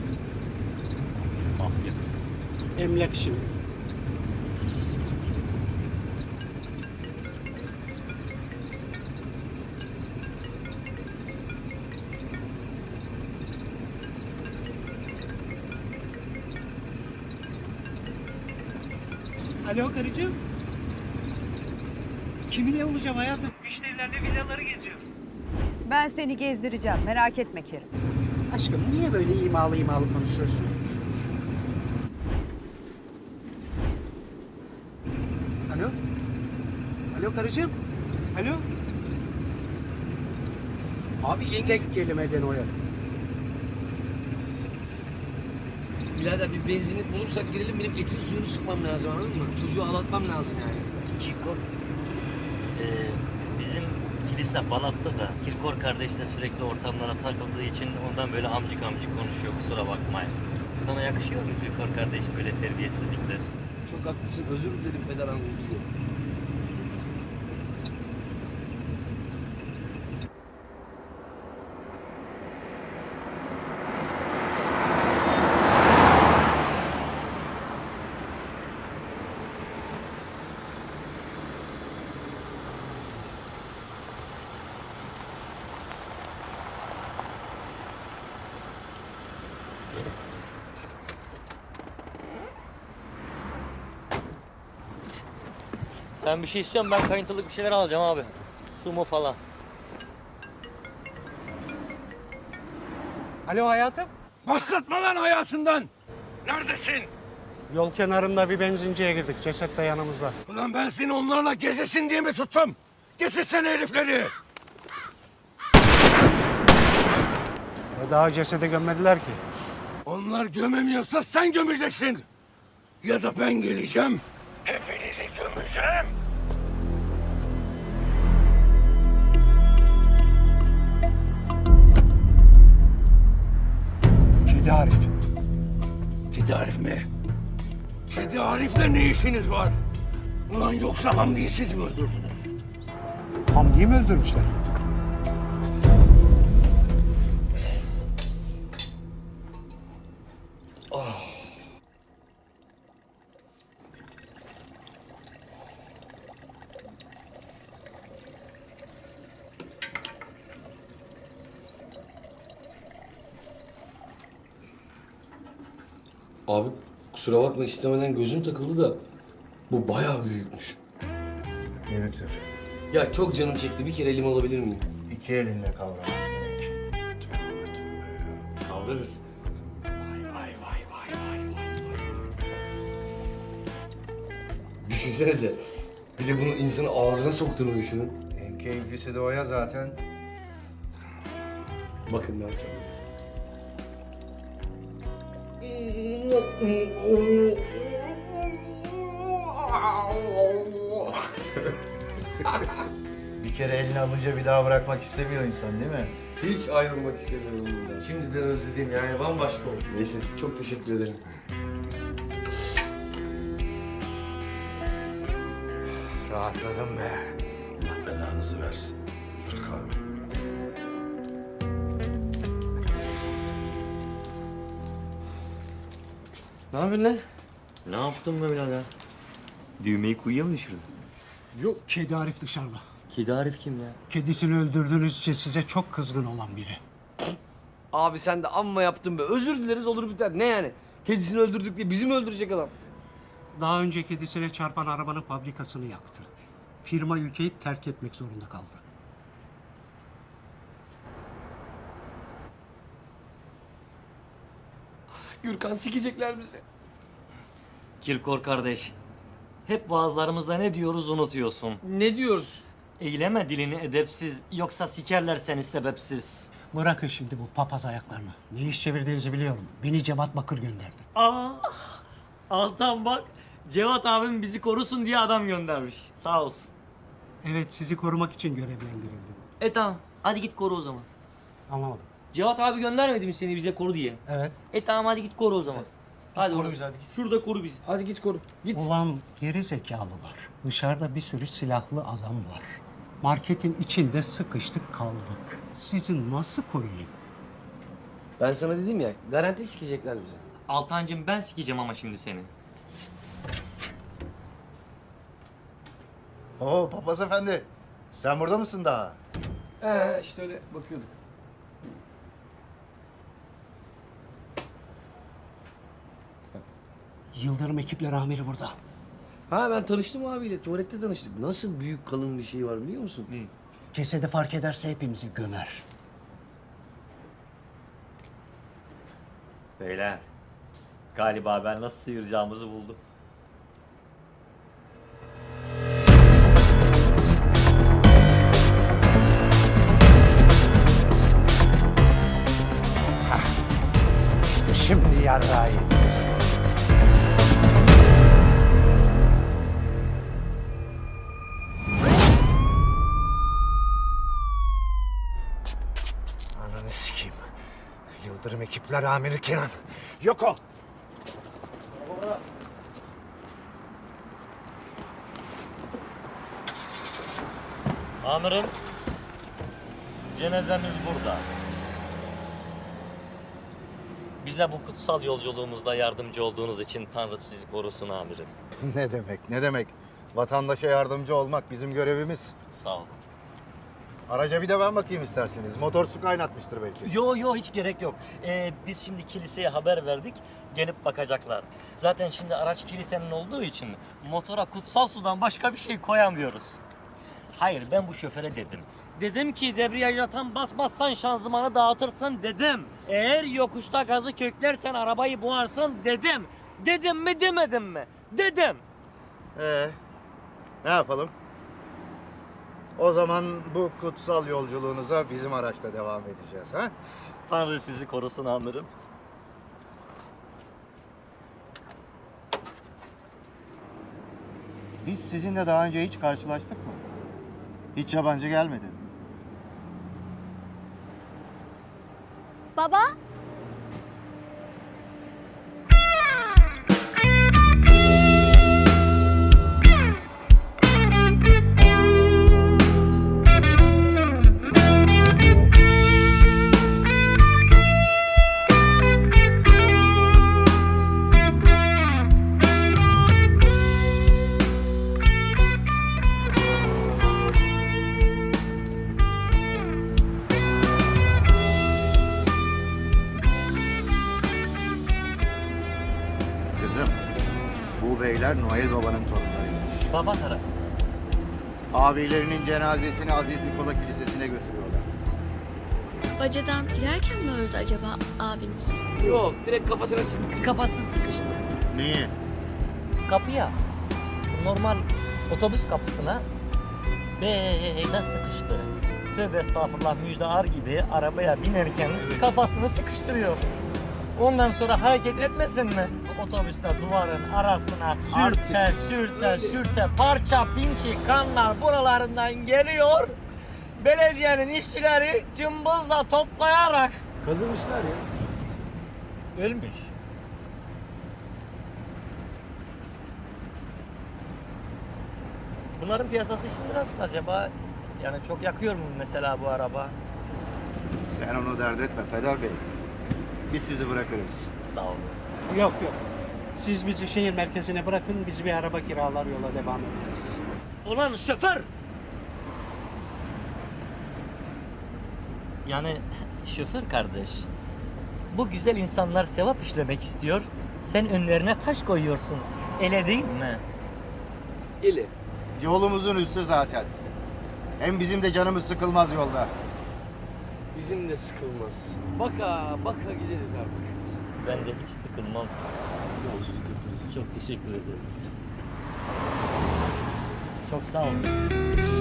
Mafya. Emlak şimdi. Alo karıcığım. Kiminle olacağım hayatım? Müşterilerle villaları geziyor. Ben seni gezdireceğim. Merak etme Kerim. Aşkım niye böyle imalı imalı konuşuyorsun? Alo? Alo karıcığım? Alo? Abi yenge... Tek kelimeden oyar. Birader bir benzinlik bulursak girelim, benim etin suyunu sıkmam lazım, anladın mı? Çocuğu ağlatmam lazım yani. Kirkor. Bizim kilise Balat'ta da Kirkor kardeş de sürekli ortamlara takıldığı için ondan böyle amcık amcık konuşuyor, kusura bakmayın. Sana yakışıyor mu Kirkor kardeş böyle terbiyesizlikler? Çok haklısın, özür dilerim peder anlatıyor. Sen bir şey istiyorsun, ben kayıntılık bir şeyler alacağım abi. Sumo falan. Alo hayatım? Başlatma lan hayatından! Neredesin? Yol kenarında bir benzinciye girdik. Ceset de yanımızda. Ulan ben seni onlarla gezesin diye mi tuttum? Getirsene herifleri! Daha cesede gömmediler ki. Onlar gömemiyorsa sen gömeceksin! Ya da ben geleceğim, hepinizi gömeceğim! Kedi Arif. Kedi Arif mi? Kedi Arif'le ne işiniz var? Ulan yoksa Hamdi'yi siz mi öldürdünüz? Hamdi'yi mi öldürmüşler? Abi kusura bakma, istemeden gözüm takıldı da bu bayağı büyükmüş. Büyüktür. Ya çok canım çekti, bir kere elim alabilir miyim? İki elinle kavraman gerek. Kavrarız. Düşünsenize, bir de bunun insanı ağzına soktuğunu düşünün. En keyiflisi de o ya zaten. Bakın ne yapacağım. Bir kere elini alınca bir daha bırakmak istemiyor insan değil mi? Hiç ayrılmak istemiyorum bundan. Şimdiden özledim yani, bambaşka oldu. Neyse, çok teşekkür ederim. Rahatladım be. Allah belanızı versin. Tut kahve. Ne yapıyorsun lan? Ne yaptın be birader? Düğmeyi kuyuya mı düşürdün? Yok. Kedi Arif dışarıda. Kedi Arif kim ya? Kedisini öldürdüğünüz için size çok kızgın olan biri. Abi sen de amma yaptın be. Özür dileriz, olur biter. Ne yani? Kedisini öldürdük diye bizi mi öldürecek adam? Daha önce kedisine çarpan arabanın fabrikasını yaktı. Firma ülkeyi terk etmek zorunda kaldı. Gürkan, sikecekler bizi. Kirkor kardeş. Hep vaazlarımızda ne diyoruz unutuyorsun. Ne diyoruz? Eyleme dilini edepsiz, yoksa sikerler seni sebepsiz. Bırakın şimdi bu papaz ayaklarını. Ne iş çevirdiğinizi biliyorum. Beni Cevat Bakır gönderdi. Aa, Altan bak, Cevat abim bizi korusun diye adam göndermiş. Sağ olsun. Evet, sizi korumak için görevlendirildim. Tamam, hadi git koru o zaman. Anlamadım. Cevat abi göndermedi mi seni bize koru diye? Evet. Tamam, hadi git koru o zaman. Hadi koru oğlum. bizi, hadi git. Şurada koru bizi. Hadi git koru. Git. Ulan geri zekalılar. Dışarıda bir sürü silahlı adam var. Marketin içinde sıkıştık kaldık. Sizi nasıl koruyayım? Ben sana dedim ya, garanti sikecekler bizi. Altancığım ben sikeceğim ama şimdi seni. Oo papaz efendi. Sen burada mısın daha? İşte öyle bakıyorduk. Yıldırım ekipler amiri burada. Ha ben tanıştım abiyle, tuvalette tanıştık. Nasıl büyük kalın bir şey var biliyor musun? Cesedi fark ederse hepimizi gömer. Beyler, galiba ben nasıl sıyıracağımızı buldum. İşte şimdi yarrağı yediniz. Ananı sikeyim. Yıldırım ekipler amiri Kenan. Yok ol. Amirim, cenazemiz burada. Bize bu kutsal yolculuğumuzda yardımcı olduğunuz için Tanrı sizi korusun amirim. Ne demek, ne demek? Vatandaşa yardımcı olmak bizim görevimiz. Sağ olun. Araca bir de ben bakayım isterseniz. Motor su kaynatmıştır belki. Yo hiç gerek yok. Biz şimdi kiliseye haber verdik. Gelip bakacaklar. Zaten şimdi araç kilisenin olduğu için motora kutsal sudan başka bir şey koyamıyoruz. Hayır ben bu şoföre dedim. Dedim ki debriyaja tam basmazsan şanzımanı dağıtırsın dedim. Eğer yokuşta gazı köklersen arabayı boğarsın dedim. Dedim mi demedim mi? Dedim. Ne yapalım? O zaman bu kutsal yolculuğunuza bizim araçta devam edeceğiz, ha? Tanrı sizi korusun amirim. Biz sizinle daha önce hiç karşılaştık mı? Hiç yabancı gelmedi. Baba? Kızım, bu beyler Noel Baba'nın torunlarıymış. Baba tarafı. Abilerinin cenazesini Aziz Nikola Kilisesi'ne götürüyorlar. Bacadan girerken mi öldü acaba abiniz? Yok, direkt kafasına sık. Kafası sıkıştı. Niye? Kapıya, normal otobüs kapısına böyle sıkıştı. Tövbe estağfurullah müjdear gibi arabaya binerken kafasını sıkıştırıyor. Ondan sonra hareket etmesin mi? Otobüste duvarın arasına sürte parça pinçik kanlar buralarından geliyor. Belediyenin işçileri cımbızla toplayarak Kazımışlar ya. ölmüş. Bunların piyasası şimdi nasıl acaba? Yani çok yakıyor mu mesela bu araba? Sen onu dert etme Peder Bey. Biz sizi bırakırız. Sağ olun. Yok. Siz bizi şehir merkezine bırakın, biz bir araba kiralar yola devam ederiz. Ulan şoför! Yani şoför kardeş, bu güzel insanlar sevap işlemek istiyor. Sen önlerine taş koyuyorsun. Öyle değil mi? Eli. Yolumuzun üstü zaten. Hem bizim de canımız sıkılmaz yolda. Bizim de sıkılmaz. Baka gideriz artık. Ben de hiç sıkılmam. Yolculuk yaparız. Çok teşekkür ederiz. Çok sağ olun.